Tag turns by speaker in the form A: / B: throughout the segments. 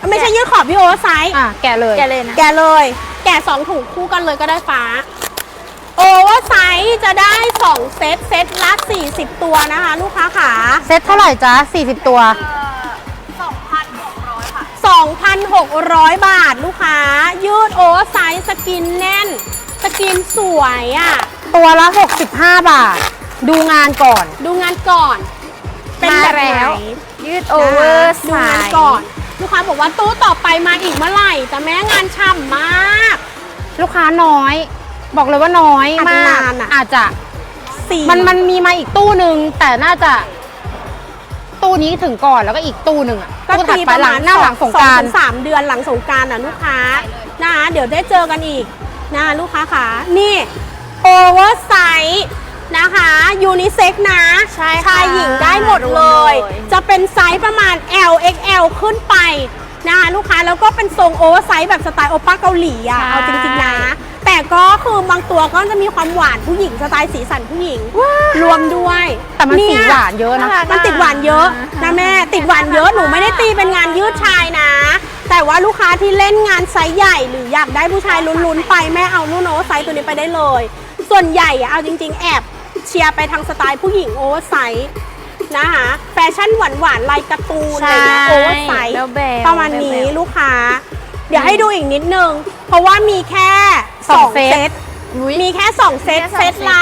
A: ไม่ใช่ยืดขอบพี่โอเวอร์ไซส์
B: แกะเลย
A: นะแกะเลย แกะ2ถุงคู่กันเลยก็ได้ฟ้าโอเวอร์ไซส์จะได้2เซตเซตละ40ตัวนะคะลูกค้าขา
B: เซตเท่าไหร่จ๊ะ40ตัว
A: 2,600 ค่ะ 2,600 บาทลูกค้ายืดโอเวอร์ไซส์สกินแน่นสกินสวยอ่ะ
B: ตัวละ65 บาทดูงานก่อน
A: เป็นแบบไหน
C: ยืดโอเวอร์ไซส์
A: ดูงานก่อนลูกค้าบอกว่าตู้ต่อไปมาอีกเมื่อไหร่แต่แม่งานช่ำมาก
B: ลูกค้าน้อยบอกเลยว่าน้อยมากอาจจะมันมีมาอีกตู้หนึ่งแต่น่าจะตู้นี้ถึงก่อนแล้วก็อีกตู้หนึ่ง
A: ก็ตีประมาณหลังสงกรานต์3 เดือนหลังสงกรานต์ลูกค้านะคะเดี๋ยวได้เจอกันอีกนะลูกค้าขานี่โอเวอร์ไซส์นะคะยูนิเซ็กนะชายหญิงได้หมดเลยจะเป็นไซส์ประมาณ L XL ขึ้นไปนะคะลูกค้าแล้วก็เป็นทรงโอเวอร์ไซส์แบบสไตล์โอป้าเกาหลีอ่ะเอาจริงๆนะแต่ก็คือบางตัวก็จะมีความหวานผู้หญิงสไตล์สีสันผู้หญิงรวมด้วย
B: แต่มันสีหวานเยอะนะ
A: มันติดหวานเยอะนะแม่ติดหวานเยอะหนูไม่ได้ตีเป็นงานยืดชายนะแต่ว่าลูกค้าที่เล่นงานไซส์ใหญ่หรืออยากได้ผู้ชายลุ้นๆไปแม่เอารุ่นโอเวอร์ไซส์ตัวนี้ไปได้เลยส่วนใหญ่เอาจริงๆแอบเชียร์ไปทางสไตล์ผู้หญิงโอเวอร์ไซส์นะคะแฟชั่นหวานๆลายการ์ตูนอะไรเงี้ยโอเวอร์ไซส์ประมาณนี้ลูกค้าเดี๋ยวให้ดูอีกนิดนึงเพราะว่ามีแค่2เซตมีแค่2เซตเซตละ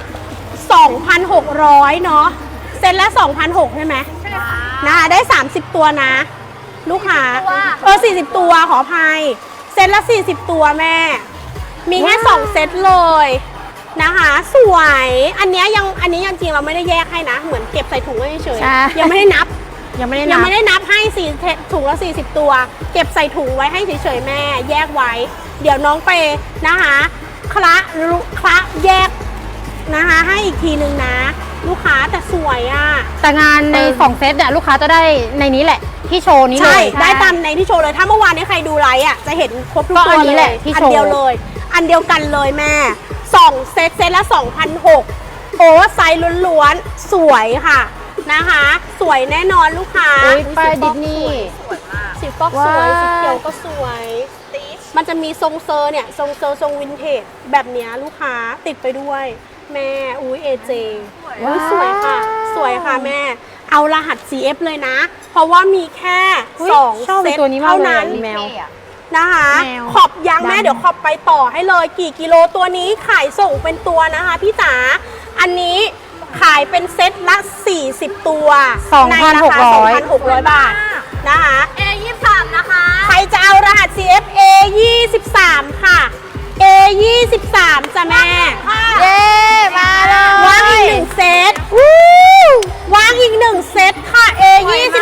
A: 2,600 เนาะเซตละ 2,600 ใช่ไหมนะคะได้30ตัวนะลูกค้า40ตัวขออภัยเซตละ40ตัวแม่มีแค่2เซตเลยนะคะสวยอันนี้ยังจริงเราไม่ได้แยกให้นะเหมือนเก็บใส่ถุงไว้เฉยๆยังไม่ได้นับให้4ถุงละ40ตัวเก็บใส่ถุงไว้ให้เฉยๆแม่แยกไว้เดี๋ยวน้องไปนะคะคละแยกนะคะให้อีกทีนึงนะลูกค้าแต่สวยอ่ะ
B: แต่งานใน2เซตเนี่ยลูกค้าจะได้ในนี้แหละที่โชว์นี้เลย
A: ได้ตามในที่โชว์เลยถ้าเมื่อวานนี้ใครดูไลฟ์อ่ะจะเห็นครบทุกตัวเลยอันเดียวเลยอันเดียวกันเลยแม่2เซตละ 2,600 โอเวอร์ไซส์ล้วนๆสวยค่ะนะคะสวยแน่นอนลูกค้า
B: ป้ายดิสนีย์
A: สวยมากสีฟอกสวยสีเขียวก็สวยมันจะมีทรงเซอร์เนี่ยทรงวินเทจแบบเนี้ยลูกค้าติดไปด้วยแม่เอเจสวยค่ะแม่เอารหัส CF เลยนะเพราะว่ามีแค่2เซตเท่านั้นนะคะขอบยางแม่เดี๋ยวขอบไปต่อให้เลยกี่กิโลตัวนี้ขายส่งเป็นตัวนะคะพี่จ๋าอันนี้ขายเป็นเซตละ40ตัวในราคา 2,600 บาทนะคะ A23 นะคะใครจะเอารหัส CF A23 ค่ะ A23 จ้ะแม่
C: เย้มาเลยว
A: างอีก1เซตวางอีก1เซตค่ะ A23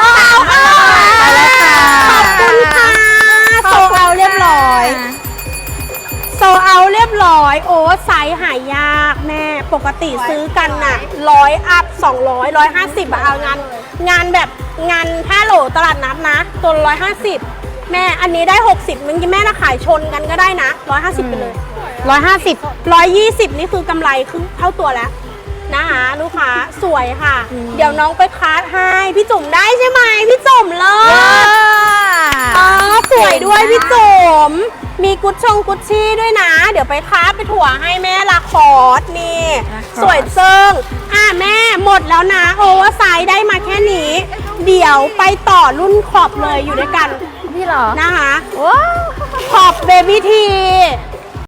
A: ขอบคุณค่ะโซเอาเรียบร้อยโอ้ไซส์หายากแม่ปกติซื้อกันน่ะ100 อัพ 200 150เอางานแบบงาน5 โหลตลาดนัดนะตัว150แม่อันนี้ได้60มึงแม่นะขายชนกันก็ได้นะ150ไปเลย120นี่คือกำไรครึ่งเท่าตัวแล้วนะคะลูกค้าสวยค่ะเดี๋ยวน้องไปคัดให้พี่จุ๋มได้ใช่ไหมพี่จุ๋มเลยสวยด้วยพี่จุ๋มมีกุชชี่ด้วยนะเดี๋ยวไปคัดไปถั่วให้แม่ลาคอร์สนี่สวยเซิงแม่หมดแล้วนะโอเวอร์ไซส์ได้มาแค่นี้เดี๋ยวไปต่อรุ่นขอบเลยอยู่ด้วยกัน
C: พี่เหรอ
A: นะคะขอบเบบี้ที